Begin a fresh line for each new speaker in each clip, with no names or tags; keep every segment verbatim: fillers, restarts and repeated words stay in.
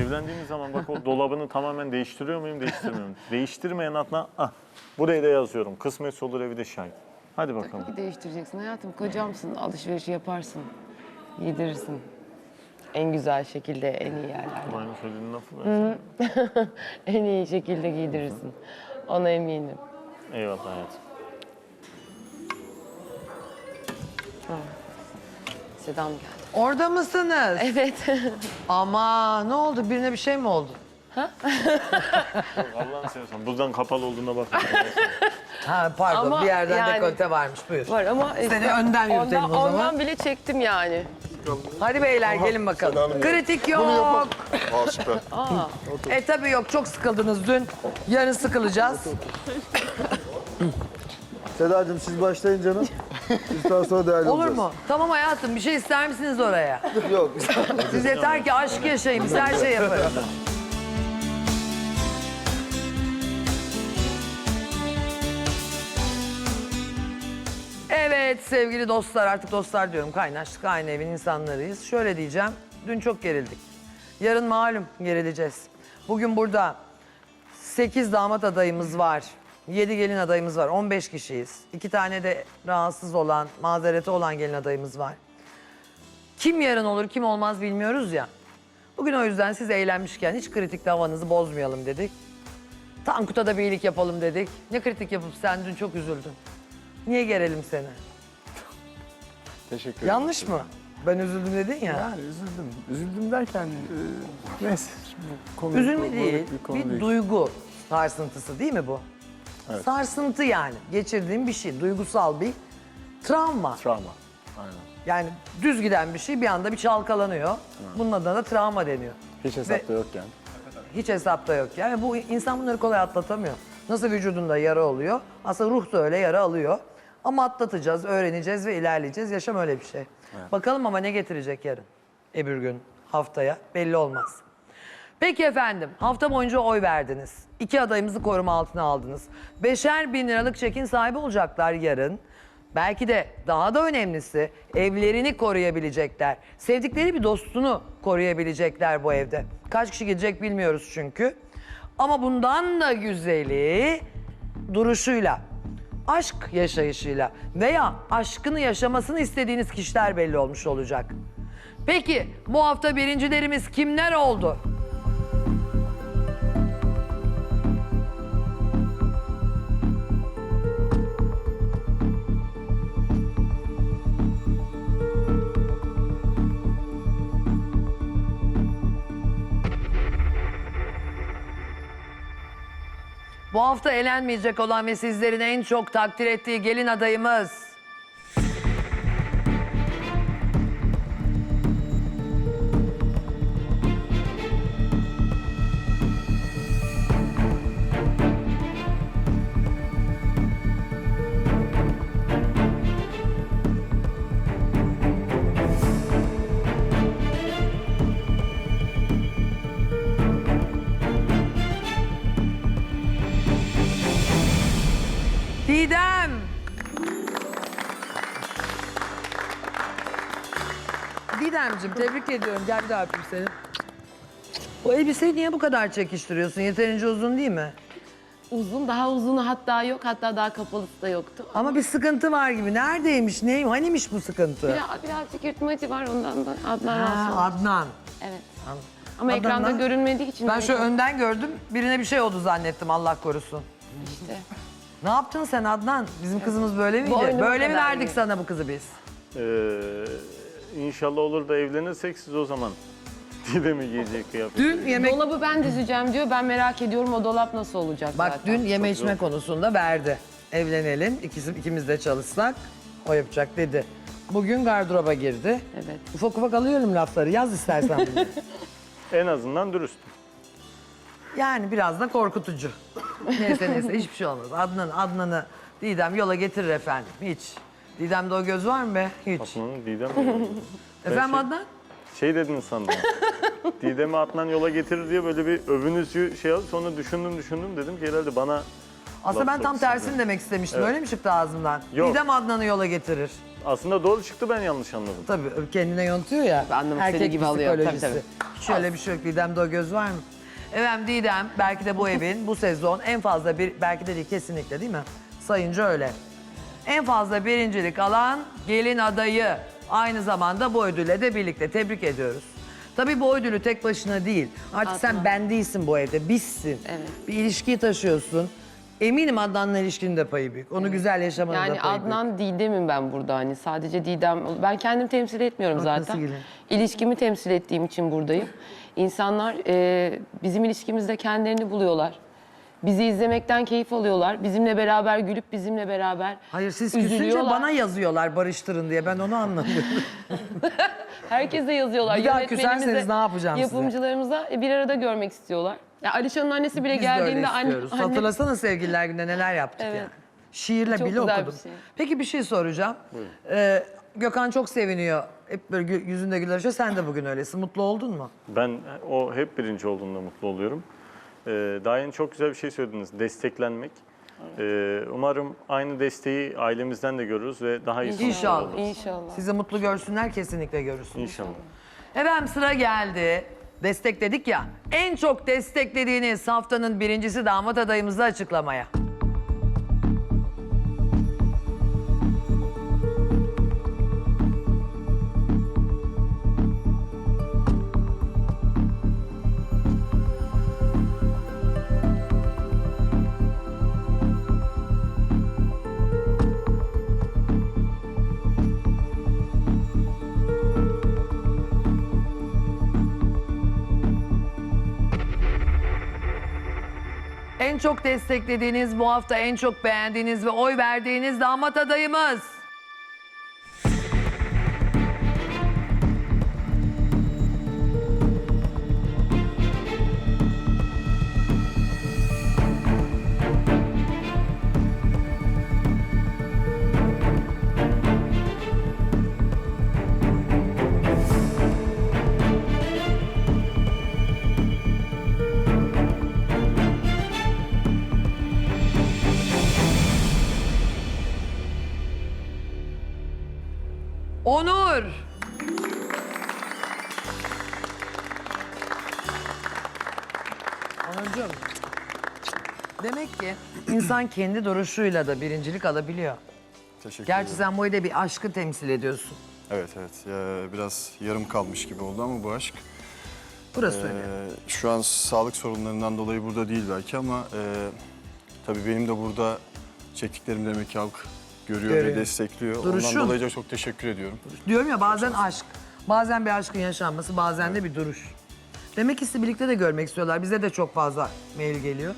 Evlendiğimiz zaman bak o dolabını tamamen değiştiriyor muyum, değiştirmiyor muyum? Değiştirmeyen Adnan, ah buraya da yazıyorum. Kısmetse olur evi de şahit. Hadi bakalım.
Tabii ki değiştireceksin hayatım. Kocamsın, alışverişi yaparsın. Giydirirsin. En güzel şekilde, en iyi yerlerde.
Aynı söylediğin lafı ben.
En iyi şekilde giydirirsin. Ona eminim.
Eyvallah hayatım.
Sedam geldi.
Orada mısınız?
Evet.
Ama ne oldu? Birine bir şey mi oldu?
Allah'ını seversen buzdan kapalı olduğuna bak.
Ha pardon
Ama
bir yerden
yani-
dekolte varmış buyur.
Var ama...
Seni önden yürütelim
ondan,
o zaman.
Ondan bile çektim yani.
Hadi beyler gelin bakalım.
Hanım ya.
Kritik yok.
Aa süper.
E tabii yok çok sıkıldınız dün. Yarın sıkılacağız.
Sedacığım siz başlayın canım. Biz daha sonra değerli
Olur
olacağız.
mu? Tamam hayatım bir şey ister misiniz oraya?
Yok.
Siz yeter ki aşk yaşayın biz her şey yaparız. Evet sevgili dostlar artık dostlar diyorum kaynaştık aynı evin insanlarıyız. Şöyle diyeceğim dün çok gerildik. Yarın malum gerileceğiz. Bugün burada sekiz damat adayımız var. yedi gelin adayımız var. on beş kişiyiz. iki tane de rahatsız olan, mazereti olan gelin adayımız var. Kim yarın olur, kim olmaz bilmiyoruz ya. Bugün o yüzden siz eğlenmişken hiç kritikte havanızı bozmayalım dedik. Tankut'a da bir iyilik yapalım dedik. Ne kritik yapıp sen dün çok üzüldün. Niye gerelim seni?
Teşekkür ederim.
Yanlış mı? Ben üzüldüm dedin ya.
Yani üzüldüm. Üzüldüm derken e, neyse bu konu
Üzülme
bu-
değil,
bir konu
bir
değil.
duygu sarsıntısı değil mi bu?
Evet.
Sarsıntı yani. Geçirdiğim bir şey, duygusal bir travma.
Travma. Aynen.
Yani düz giden bir şey bir anda bir çalkalanıyor. Bunun adına da travma deniyor.
Hiç hesapta yokken.
Hiç hesapta yok yani. Bu insan bunları kolay atlatamıyor. Nasıl vücudunda yara oluyor, aslında ruh da öyle yara alıyor. Ama atlatacağız, öğreneceğiz ve ilerleyeceğiz. Yaşam öyle bir şey. Bakalım ama ne getirecek yarın, öbür gün, haftaya belli olmaz. Peki efendim, hafta boyunca oy verdiniz. İki adayımızı koruma altına aldınız. Beşer bin liralık çekin sahibi olacaklar yarın. Belki de daha da önemlisi evlerini koruyabilecekler. Sevdikleri bir dostunu koruyabilecekler bu evde. Kaç kişi gidecek bilmiyoruz çünkü. Ama bundan da güzeli duruşuyla, aşk yaşayışıyla veya aşkını yaşamasını istediğiniz kişiler belli olmuş olacak. Peki bu hafta birincilerimiz kimler oldu? Bu hafta elenmeyecek olan ve sizlerin en çok takdir ettiği gelin adayımız. Didem. Didemciğim tebrik ediyorum. Gel bir daha öpeyim seni. O elbiseyi niye bu kadar çekiştiriyorsun? Yeterince uzun değil mi?
Uzun, daha uzunu hatta yok. Hatta daha kapalısı da yoktu.
Ama bir sıkıntı var gibi. Neredeymiş, neyim, hanimiş bu sıkıntı?
Biraz, birazcık yırtmacı var ondan da Adnan rahatsız
Ha,
olmuş.
Adnan.
Evet. Ama
Adnan
ekranda
da-
görünmediği için...
Ben
de-
şöyle önden gördüm. Birine bir şey oldu zannettim Allah korusun.
İşte.
Ne yaptın sen Adnan? Bizim kızımız böyle miydi?
Boynuma
Böyle mi
kadar
verdik
iyi.
sana bu kızı biz?
Ee, inşallah olur da evlenirsek siz o zaman Didem'i giyecek kıyafet.
Dün yemek...
Dolabı ben dizeceğim diyor. Ben merak ediyorum o dolap nasıl olacak
Bak
zaten.
dün yeme içme konusunda verdi. Evlenelim, ikisi, ikimiz de çalışsak o yapacak dedi. Bugün gardıroba girdi.
Evet.
Ufak ufak alıyorum lafları, yaz istersen bunu.
En azından dürüst.
Yani biraz da korkutucu. Neyse neyse hiçbir şey olmaz. Adnan, Adnan'ı Didem yola getirir efendim, hiç. Didem'de o göz var mı be? Hiç.
Adnan'ı Didem mi? Ben
Efendim
şey-
Adnan?
Şey dedin sandım. Didem'i Adnan yola getirir diye böyle bir övünüz şey aldı. Sonra düşündüm düşündüm dedim ki herhalde bana
Aslında ben
laf
tam
soksun
tersini
diye.
demek istemiştim.
Evet.
Öyle mi çıktı ağzımdan?
Yok.
Didem Adnan'ı yola getirir.
Aslında doğru çıktı, ben yanlış anladım.
Tabii kendine yontuyor ya.
Anlamak
Erkek
istediği gibi alıyor. Tabii,
psikolojisi.
tabii.
Hiç öyle bir şey yok. Didem'de o göz var mı? Efendim Didem belki de bu evin bu sezon en fazla bir, belki de değil kesinlikle değil mi? Sayınca öyle. En fazla birincilik alan gelin adayı. Aynı zamanda bu ödülle de birlikte tebrik ediyoruz. Tabii bu ödülü tek başına değil. Artık sen
Adnan.
ben değilsin bu evde, bizsin.
Evet.
Bir ilişkiyi taşıyorsun. Eminim Adnan'la ilişkinin de payı büyük. Onu güzel yaşamanın da
Yani
payı büyük.
Adnan Didem'im ben burada hani sadece Didem. Ben kendimi temsil etmiyorum
Haklısın
zaten.
Gülüm.
İlişkimi temsil ettiğim için buradayım. İnsanlar e, bizim ilişkimizde kendilerini buluyorlar. Bizi izlemekten keyif alıyorlar. Bizimle beraber gülüp bizimle beraber
Hayır siz küsünce
üzülüyorlar.
bana yazıyorlar barıştırın diye. Ben onu anlamıyorum.
Herkese yazıyorlar.
Bir daha
Yönetmenimize,
küserseniz ne yapacağım size?
yapımcılarımıza e, bir arada görmek istiyorlar. Ya Alişan'ın annesi bile
Biz de öyle
geldiğinde anne,
istiyoruz.
anne
Hatırlasana sevgililer günde neler yaptık
Evet.
yani. Şiirle
Çok
bile
güzel bir
okudum.
şey.
Peki bir şey soracağım. Ee, Gökhan çok seviniyor. Hep böyle gü- yüzünde güler açıyor. Sen de bugün öylesin. Mutlu oldun mu?
Ben o hep birinci olduğunda mutlu oluyorum. Ee, daha yeni çok güzel bir şey söylediniz. Desteklenmek. Ee, umarım aynı desteği ailemizden de görürüz ve daha iyi sonuçlar
İnşallah.
alırız.
İnşallah.
Sizi mutlu görsünler, kesinlikle görürsün.
İnşallah.
Efendim sıra geldi. Destekledik ya. En çok desteklediğiniz haftanın birincisi damat adayımızı açıklamaya. En çok desteklediğiniz, bu hafta en çok beğendiğiniz ve oy verdiğiniz damat adayımız. Onur. Onurcuğum. Demek ki insan kendi duruşuyla da birincilik alabiliyor.
Teşekkür
Gerçi
ederim.
sen bu evde bir aşkı temsil ediyorsun.
Evet evet. Ya, biraz yarım kalmış gibi oldu ama bu aşk.
Burası
Ee,
öyle.
şu an sağlık sorunlarından dolayı burada değil belki ama e, tabii benim de burada çektiklerim demek ki halk görüyor,
Görüyor.
ve destekliyor.
Duruşun.
Ondan dolayı da çok teşekkür ediyorum.
Diyorum ya bazen aşk, bazen bir aşkın yaşanması, bazen de bir duruş. Demek ki sizi birlikte de görmek istiyorlar. Bize de çok fazla mail geliyor.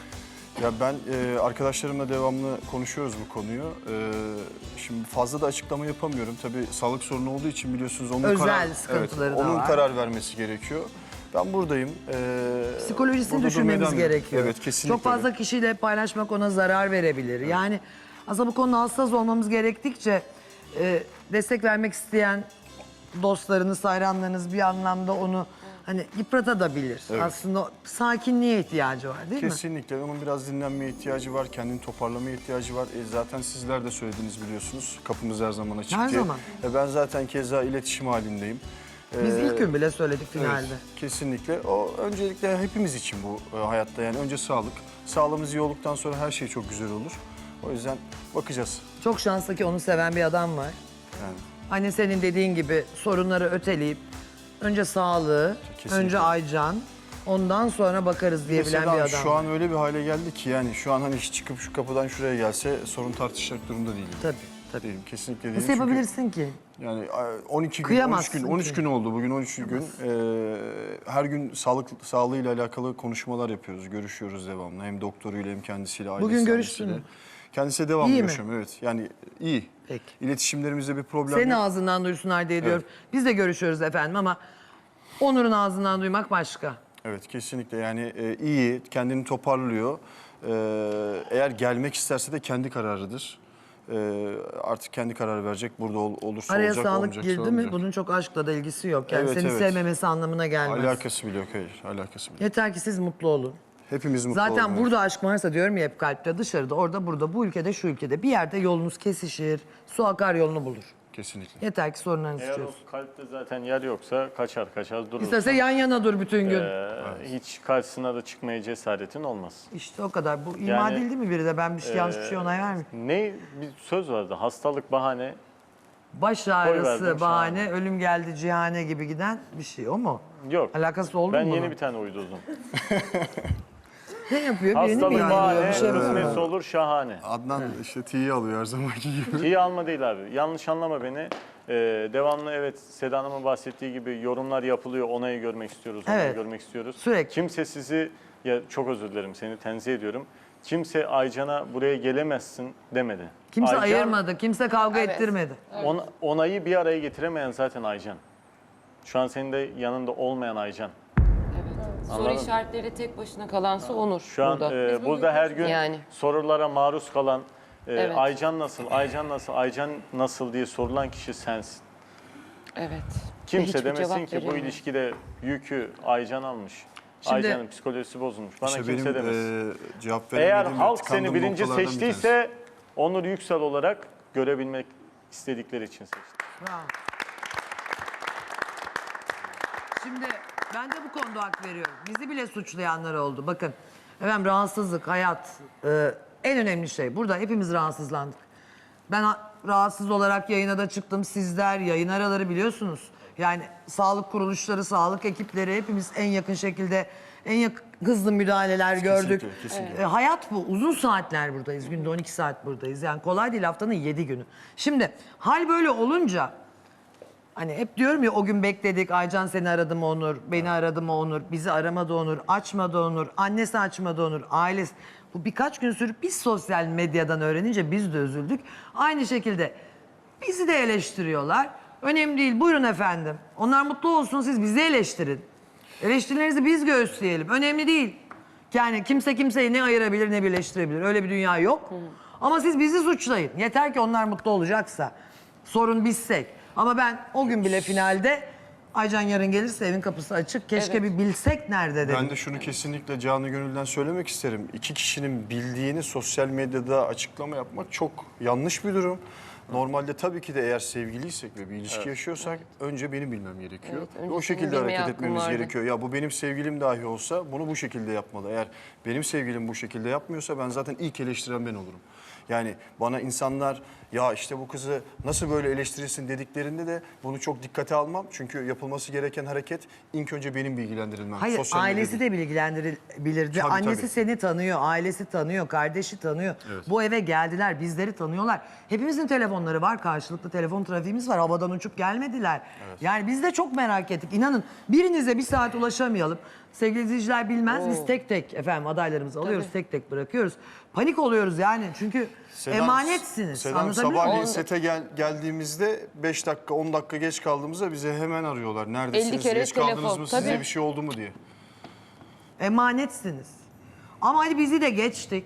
Ya ben e, arkadaşlarımla devamlı konuşuyoruz bu konuyu. E, şimdi fazla da açıklama yapamıyorum. Tabii sağlık sorunu olduğu için biliyorsunuz onun
Özel
karar,
sıkıntıları
evet,
da
onun
var.
karar vermesi gerekiyor. Ben buradayım. E,
Psikolojisini
burada
düşünmemiz
durmaya devam
gerekiyor.
Evet kesinlikle.
Çok fazla kişiyle paylaşmak ona zarar verebilir. Yani aslında bu konuda hassas olmamız gerektikçe e, destek vermek isteyen dostlarınız, hayranlarınız bir anlamda onu hani yıpratabilir.
Evet.
Aslında sakinliğe ihtiyacı var değil mi?
Kesinlikle. Onun biraz dinlenmeye ihtiyacı var, kendini toparlamaya ihtiyacı var. E, zaten sizler de söylediniz biliyorsunuz. Kapımız her zaman açık
Her
diye.
zaman.
E, ben zaten keza iletişim halindeyim.
Biz
E,
ilk gün bile söyledik
evet,
finalde.
kesinlikle. O öncelikle hepimiz için bu e, hayatta. Yani önce sağlık. Sağlığımız iyi olduktan sonra her şey çok güzel olur. O yüzden bakacağız.
Çok şanslı ki onu seven bir adam var.
Yani
Hani senin dediğin gibi sorunları öteleyip önce sağlığı,
Kesinlikle.
önce Aycan, ondan sonra bakarız diyebilen
mesela
bir adam.
şu an öyle bir hale geldi ki yani şu an hani hiç çıkıp şu kapıdan şuraya gelse sorun tartışacak durumda değilim.
Tabii, tabii.
Değilim, kesinlikle değilim.
Nasıl
Çünkü-
yapabilirsin ki?
Yani on iki gün, on üç
Kıyamazsın
gün, on üç
ki.
gün oldu bugün on üç gün. Ee, her gün sağlık sağlığıyla alakalı konuşmalar yapıyoruz, görüşüyoruz devamlı. Hem doktoruyla hem kendisiyle, ailesi
Bugün görüştün
annesiyle.
mü?
Kendisiyle devamlı
İyi mi?
görüşüyorum, evet. Yani iyi.
Peki.
İletişimlerimizde bir problem
Senin
yok.
ağzından duysunlar diye diyorum. Biz de görüşüyoruz efendim ama Onur'un ağzından duymak başka.
Evet, kesinlikle yani e, iyi, kendini toparlıyor. Ee, eğer gelmek isterse de kendi kararıdır. Ee, artık kendi karar verecek. Burada ol, olursa
Araya
olacak,
sağlık
olmayacaksa
girdi mi
olmayacak.
bunun çok aşkla da ilgisi yok. Yani
Evet,
seni
evet.
sevmemesi anlamına gelmez.
Alakası bile yok, hayır. Alakası bile yok.
Yeter ki siz mutlu olun.
Hepimiz mutlu
Zaten
olalım,
burada aşk varsa diyorum ya hep kalpte, dışarıda, orada, burada, bu ülkede, şu ülkede bir yerde yolunuz kesişir, su akar yolunu bulur.
Kesinlikle.
Yeter ki sorunlarınızı
Eğer
çözsün.
o kalpte zaten yer yoksa kaçar kaçar durur.
İsterse yan yana dur bütün gün.
Ee, hiç karşısına da çıkmaya cesaretin olmaz.
İşte o kadar. Bu ima
Yani,
değil değil mi biri de? Ben bir şey, yanlış bir şey onay vermeyeyim.
Ne bir söz vardı. Hastalık bahane.
Baş
verdim
ağrısı,
şu
bahane, ölüm geldi cihane gibi giden bir şey. O mu?
Yok.
Alakası oldu
Ben
mu
yeni
bunun?
bir tane uydurdum.
Ne yapıyor? Birini mi
Hastalık
yayınlıyor?
bahane,
Bir şey mi
kısmetse
yapıyor?
olur şahane.
Adnan işte T'yi alıyor her zamanki gibi.
İyi alma değil abi. Yanlış anlama beni. Ee, devamlı evet Seda Hanım'ın bahsettiği gibi yorumlar yapılıyor. Onayı görmek istiyoruz, onayı
Evet.
görmek istiyoruz.
Sürekli.
Kimse sizi, ya çok özür dilerim seni tenzih ediyorum. Kimse Aycan'a buraya gelemezsin demedi.
Kimse
Aycan,
ayırmadı, kimse kavga
Evet.
ettirmedi.
on- onayı bir araya getiremeyen zaten Aycan. Şu an senin de yanında olmayan Aycan.
Evet. Soru
Anladım.
işaretleri tek başına kalansa Onur
Şu an
burada.
e, burada her gün
Yani.
sorulara maruz kalan e,
Evet.
Aycan nasıl, Aycan nasıl, Aycan nasıl diye sorulan kişi sensin.
Evet. Ve
Kimse
hiçbir
demesin
cevap
ki bu
veremiyor.
ilişkide yükü Aycan almış.
Şimdi-
Aycan'ın psikolojisi bozulmuş. Bana
İşte
kimse
benim
demesin.
e, cevap
Eğer
veremediğim ve
halk seni
tıkandığım
birinci
noktalardan bir tanesi.
seçtiyse Onur Yüksel olarak görebilmek istedikleri için seçti.
Bravo. Şimdi ben de bu konuda hak veriyorum. Bizi bile suçlayanlar oldu. Bakın efendim rahatsızlık, hayat e, en önemli şey. Burada hepimiz rahatsızlandık. Ben ha- rahatsız olarak yayına da çıktım. Sizler yayın araları biliyorsunuz. Yani sağlık kuruluşları, sağlık ekipleri hepimiz en yakın şekilde en yak- hızlı müdahaleler gördük.
kesinlikle.
E, hayat bu. Uzun saatler buradayız. Günde on iki saat buradayız. Yani kolay değil haftanın yedi günü. Şimdi hal böyle olunca hani hep diyorum ya o gün bekledik. Aycan seni aradı mı Onur? Beni aradı mı Onur? Bizi aramadı Onur. Açmadı Onur. Annesi açmadı Onur. Ailesi. Bu birkaç gün sürüp biz sosyal medyadan öğrenince biz de üzüldük. Aynı şekilde bizi de eleştiriyorlar. Önemli değil. Buyurun efendim. Onlar mutlu olsun. Siz bizi eleştirin. Eleştirilerinizi biz göğüsleyelim. Önemli değil. Yani kimse kimseyi ne ayırabilir ne birleştirebilir. Öyle bir dünya yok. Ama siz bizi suçlayın. Yeter ki onlar mutlu olacaksa. Sorun bizsek. Ama ben o gün bile finalde Aycan yarın gelirse evin kapısı açık. Keşke
Evet.
bir bilsek nerede dedim.
Ben de şunu kesinlikle canı gönülden söylemek isterim. İki kişinin bildiğini sosyal medyada açıklama yapmak çok yanlış bir durum. Normalde tabii ki de eğer sevgiliysek ve bir ilişki yaşıyorsak önce benim bilmem gerekiyor.
Evet,
Ve
önce
o
senin
şekilde
bilmeye
hareket
hakkın
etmemiz
vardı.
gerekiyor. Ya bu benim sevgilim dahi olsa bunu bu şekilde yapmalı. Eğer benim sevgilim bu şekilde yapmıyorsa ben zaten ilk eleştiren ben olurum. Yani bana insanlar ya işte bu kızı nasıl böyle eleştirirsin dediklerinde de bunu çok dikkate almam. Çünkü yapılması gereken hareket ilk önce benim bilgilendirilmem.
Hayır
Sosyal medya
ailesi
değil.
de bilgilendirilirdi.
Tabii,
Annesi
tabii.
seni tanıyor, ailesi tanıyor, kardeşi tanıyor. Bu eve geldiler, bizleri tanıyorlar. Hepimizin telefonları var, karşılıklı telefon trafiğimiz var. Havadan uçup gelmediler. Yani biz de çok merak ettik. İnanın birinize bir saat ulaşamayalım. Sevgili izleyiciler bilmez biz tek tek efendim adaylarımızı alıyoruz, tek tek bırakıyoruz. Panik oluyoruz yani çünkü
Sedam-
emanetsiniz.
Sedam
Anlatabiliyor
sabahleyin
muyum?
sete gel, geldiğimizde beş dakika on dakika geç kaldığımızda bize hemen arıyorlar. Neredesiniz?
elli kere
geç kaldınız
telefon,
mı? Size
tabii.
bir şey oldu mu diye.
Emanetsiniz. Ama hadi bizi de geçtik.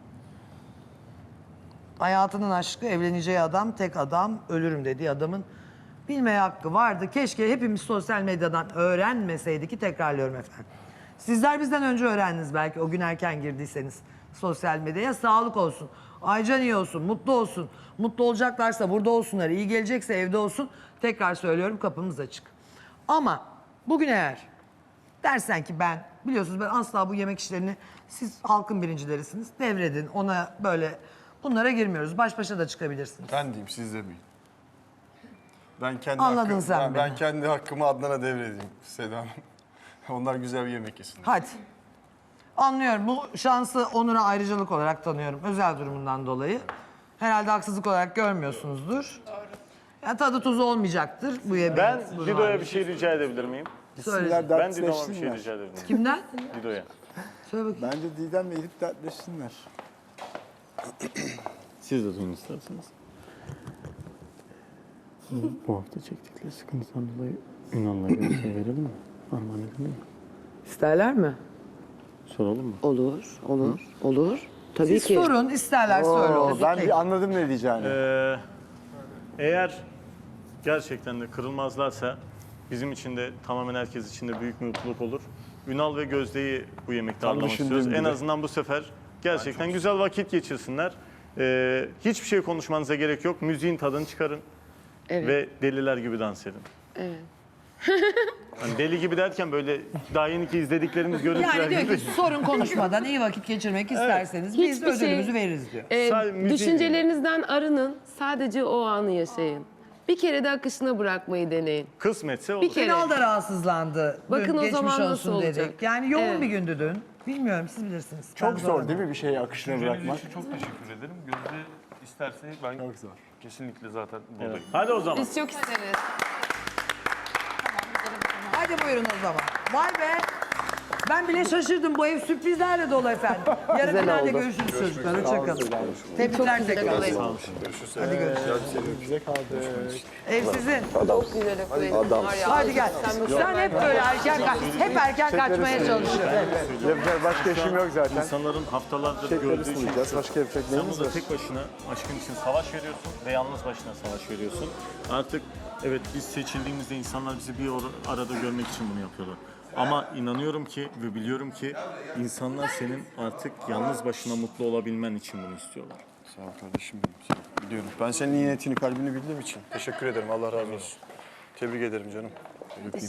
Hayatının aşkı, evleneceği adam, tek adam, ölürüm dediği adamın bilmeye hakkı vardı. Keşke hepimiz sosyal medyadan öğrenmeseydik ki tekrarlıyorum efendim. Sizler bizden önce öğrendiniz belki o gün erken girdiyseniz sosyal medyaya. Sağlık olsun, Aycan iyi olsun, mutlu olsun. Mutlu olacaklarsa burada olsunlar, iyi gelecekse evde olsun. Tekrar söylüyorum kapımız açık. Ama bugün eğer dersen ki ben, biliyorsunuz ben asla bu yemek işlerini siz halkın birincilerisiniz. Devredin ona böyle bunlara girmiyoruz. Baş başa da çıkabilirsiniz.
Ben diyeyim siz demeyin. Ben kendi
Anladın
hakkımı,
sen
ben,
beni.
ben kendi hakkımı Adnan'a devredeyim Seda Hanım. Onlar güzel bir yemek yesinler.
Hadi. Anlıyorum. Bu şansı Onur'a ayrıcalık olarak tanıyorum. Özel durumundan dolayı. Herhalde haksızlık olarak görmüyorsunuzdur. Doğru. Yani tadı tuzu olmayacaktır bu yemeğin.
Ben
Bu
Dido'ya
duvarda.
bir şey rica edebilir miyim?
Söyle.
Gitsinler
Ben Dido'ma bir şey
dertleşsinler.
rica edebilir miyim?
Kimden?
Dido'ya.
Söyle bakayım.
Bence Didem'le gidip dertleşsinler.
Siz de duyun isterseniz. Bu hafta çektikleri sıkıntıdan dolayı Ünal'la görüşe verelim mi? Armağan edelim mi?
İsterler mi?
Soralım mı?
Olur, olur, olur. Tabii
Siz
ki.
sorun, isterler söyle.
Oo,
olsun.
ben
Peki.
bir anladım ne diyeceğini.
Ee, eğer gerçekten de kırılmazlarsa bizim için de tamamen herkes için de büyük bir mutluluk olur. Ünal ve Gözde'yi bu yemekte
Tam
ağırlamak
düşündüğüm
istiyoruz. En
gibi.
azından bu sefer gerçekten güzel vakit geçirsinler. Ee, hiçbir şey konuşmanıza gerek yok. Müziğin tadını çıkarın.
Evet.
ve deliler gibi dans edin.
Evet.
Hani deli gibi derken böyle daha yeni ki izlediklerimiz görüntüler
Yani diyor
gibi.
ki sorun konuşmadan iyi vakit geçirmek isterseniz biz de
Hiçbir şey-
ödülümüzü veririz diyor.
Ee,
Sadece müziği
düşüncelerinizden arının, sadece o anı yaşayın. Bir kere de akışına bırakmayı deneyin.
Kısmetse olur.
Bir kere.
Ünal da rahatsızlandı. Dün
Bakın o
geçmiş
zaman nasıl
olsun
olacak?
dedik. Yani yoğun
Evet.
bir gündü dün. Bilmiyorum siz bilirsiniz. Ben
Çok zor
zorlandım.
değil mi bir şeyi akışına bırakmak?
Çok teşekkür ederim. Gözde isterse ben
Çok zor.
kesinlikle zaten buradayım.
Hadi o zaman.
Biz çok isteriz.
Hadi buyurun o zaman. Vay be. Ben bile şaşırdım. Bu ev sürprizlerle dolu efendim. Yarın
Güzel
finalde
oldu.
görüşürüz çocuklar. Hoşçakalın. Tebrikler
güzel
tekrar.
oldu.
Hadi görüşürüz.
Bize kaldı.
Ev sizin.
Çok güzel okuyun. Var ya,
Hadi gel.
sen
Sen
mükemmel
hep böyle erken kaç, hep erken kaçmaya çalışıyorsun.
Yapacak başka işim yok zaten.
İnsanların haftalardır
Çiçekleri
gördüğü şey.
sunacağız. Başka yapacak
Sen
neyimiz
burada
var?
tek başına aşkın için savaş veriyorsun ve yalnız başına savaş veriyorsun. Artık evet biz seçildiğimizde insanlar bizi bir or- arada görmek için bunu yapıyorlar. Ama inanıyorum ki ve biliyorum ki insanlar senin artık yalnız başına mutlu olabilmen için bunu istiyorlar.
Sağ ol kardeşim benim. Sağ ol. Biliyorum. Ben senin iyi niyetini, kalbini bildiğim için teşekkür ederim. Allah razı olsun. Tebrik ederim canım. Öpeyim.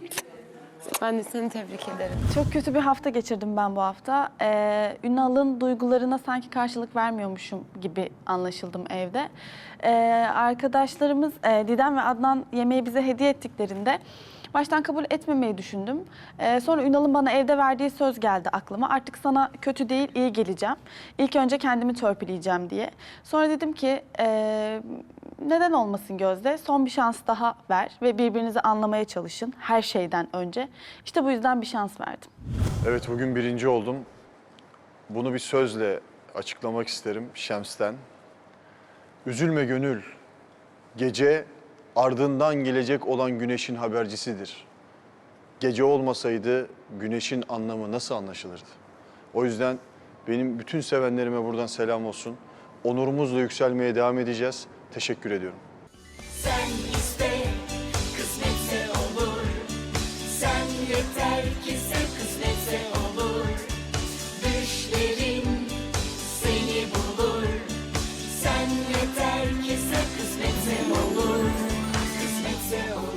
Ben de seni tebrik ederim.
Çok kötü bir hafta geçirdim ben bu hafta. Ee, Ünal'ın duygularına sanki karşılık vermiyormuşum gibi anlaşıldım evde. Ee, arkadaşlarımız e, Didem ve Adnan yemeği bize hediye ettiklerinde baştan kabul etmemeyi düşündüm. Ee, sonra Ünal'ın bana evde verdiği söz geldi aklıma. Artık sana kötü değil, iyi geleceğim. İlk önce kendimi törpüleyeceğim diye. Sonra dedim ki e, neden olmasın Gözde? Son bir şans daha ver ve birbirinizi anlamaya çalışın her şeyden önce. İşte bu yüzden bir şans verdim.
Evet, bugün birinci oldum. Bunu bir sözle açıklamak isterim Şems'ten. Üzülme gönül, gece ardından gelecek olan güneşin habercisidir. Gece olmasaydı güneşin anlamı nasıl anlaşılırdı? O yüzden benim bütün sevenlerime buradan selam olsun. Onurumuzla yükselmeye devam edeceğiz. Teşekkür ediyorum.
Sen iste, kısmetse olur. Sen yeter ki sen kısmetse olur. Düşlerin seni bulur. Sen yeter ki sen kısmetse olur. Kısmetse olur.